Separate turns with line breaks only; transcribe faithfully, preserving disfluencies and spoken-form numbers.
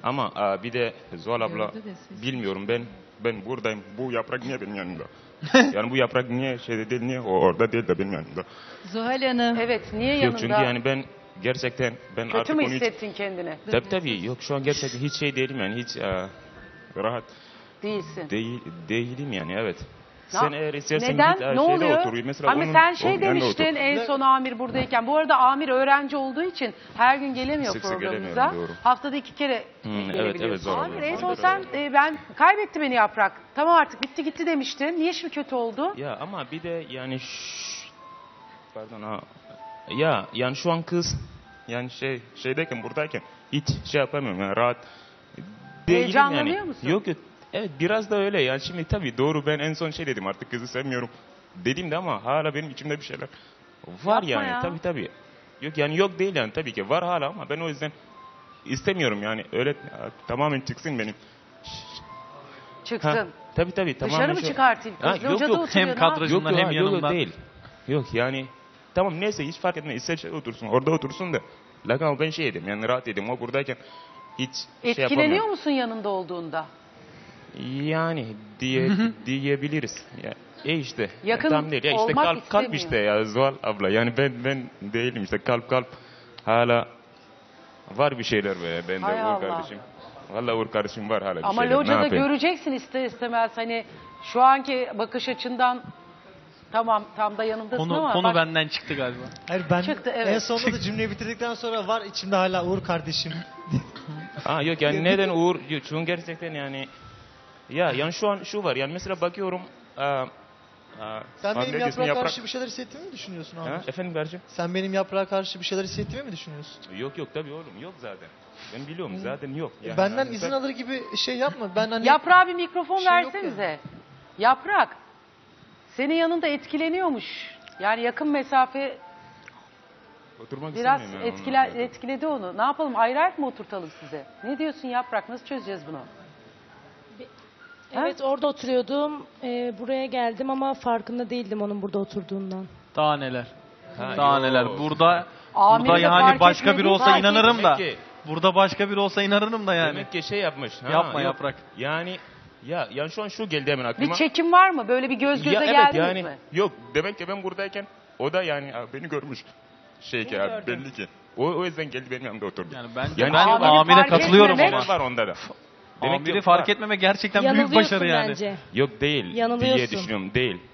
Ama aa, bir de Zuhal abla bilmiyorum ben ben buradayım. Bu yaprak niye benim yanımda? Yani bu yaprak niye şeyde değil, niye o orada değil de benim yanımda?
Zuhal Hanım.
Evet, niye
Yok
yanında?
çünkü yani ben gerçekten ben
Kötü
artık
mü
onu hiç...
hissettin kendini?
Tabii tabii yok şu an gerçekten hiç şey değilim yani hiç aa, rahat
Değilsin.
değil, değilim yani evet.
Na-
Sen eğer istersen
Neden?
git aa,
Ne
şeyde
oluyor?
otur. Mesela
Ama
onun-
sen şey
onun yanında
demiştin
otur.
en son Amir buradayken. Bu arada Amir öğrenci olduğu için her gün gelemiyor
Sık sık
programımıza.
gelemiyorum, doğru.
Haftada iki kere
Hmm, evet,
gelebiliyorsun.
evet, zor
Amir
oluyor.
en son
Maalesef.
sen e, ben kaybetti beni Yaprak. Tamam artık bitti gitti demiştin. Niye şimdi kötü oldu?
Ya ama bir de yani şş, pardon ha. Ya yani şu an kız yani şey şeydeyken buradayken hiç şey yapamıyorum yani rahat değilim
Heyecanlanıyor
yani.
musun?
Yok yok. Evet biraz da öyle yani şimdi tabii doğru ben en son şey dedim artık kızı sevmiyorum dedim de ama hala benim içimde bir şeyler var
Yapma
yani
ya.
tabii tabii. Yok yani yok değil yani tabii ki var hala ama ben o yüzden istemiyorum yani öyle tamamen çıksın benim.
Çıksın.
Ha, tabii tabii tamamen
Dışarı mı
şu-
çıkartayım?
Ha,
Kız
yok,
locada
yok.
oturuyor.
Hem
ne
kadro-
yapayım?
Yok,
Bundan
yok,
hem
yok, yok
yanımdan.
değil. Yok yani tamam neyse hiç fark etmez. İster şey otursun orada otursun da. Lakin ama ben şey yedim yani rahat yedim. O buradayken hiç şey
Etkileniyor
yapamıyorum.
musun yanında olduğunda?
Yani diye diyebiliriz. Ya, e işte.
Yakın
tam değil. Ya işte
olmak
kalp kalp
istemiyor.
işte ya Zuhal abla. Yani ben ben değilim işte kalp kalp hala var bir şeyler be bende
Hay
Uğur
Allah.
kardeşim. Vallahi Uğur kardeşim var hala bir
Ama
şeyler. Ne
locada
yapayım?
göreceksin ister istemez hani şu anki bakış açından tamam tam da yanındasın
Konu,
ama
konu
bak,
benden çıktı galiba.
Hayır ben
Çıktı, evet.
en sonunda da cümleyi bitirdikten sonra var içimde hala Uğur kardeşim.
Ha yok yani neden Uğur? Yok, çünkü gerçekten yani ya yani şu an şu var yani mesela bakıyorum aa, aa,
Sen
abi
benim
ne diyorsun,
yaprağa karşı bir şeyler hissettiğimi mi düşünüyorsun abi?
Ha, efendim kardeşim?
Sen benim yaprağa karşı bir şeyler hissettiğimi mi düşünüyorsun?
Yok yok tabii oğlum yok zaten. Ben biliyorum zaten yok. Yani
Benden
hani
izin
sen-
alır gibi şey yapma. Ben hani
Yaprağa bir mikrofon
Bir şey yok
versenize. Yaprak. Senin yanında etkileniyormuş. Yani yakın mesafe
Oturmak
biraz
istemiyorum yani
etkiler,
onunla.
etkiledi onu. Ne yapalım ayrı ayrı mı oturtalım size? Ne diyorsun Yaprak? Nasıl çözeceğiz bunu?
Evet orada oturuyordum. Ee, buraya geldim ama farkında değildim onun burada oturduğundan.
Daha neler.
Ha,
Daha
yok.
neler. Burada
Amiri
burada
de
yani
fark
başka
etmedi,
biri olsa
fark
inanırım da.
Demek ki,
Burada başka biri olsa inanırım da yani.
demek ki şey yapmış. Ha,
Yapma
yok.
Yaprak.
Yani ya yani şu an şu geldi hemen aklıma.
Bir çekim var mı? Böyle bir göz göze
ya evet
geldiniz
yani
mi?
yok demek ki ben buradayken o da yani ha, beni görmüş. Şey ki abi belli ki. O, o yüzden geldi benim yanımda oturdu.
Yani ben,
Yani
ben
Amiri
Amir'e
fark
katılıyorum
etmemek-
ama.
Şeyler var onda da. Demek ki
Amiri
yok,
fark
var.
etmeme gerçekten büyük
Yanılıyorsun
başarı yani.
bence.
Yok değil diye
Yanılıyorsun.
düşünüyorum değil.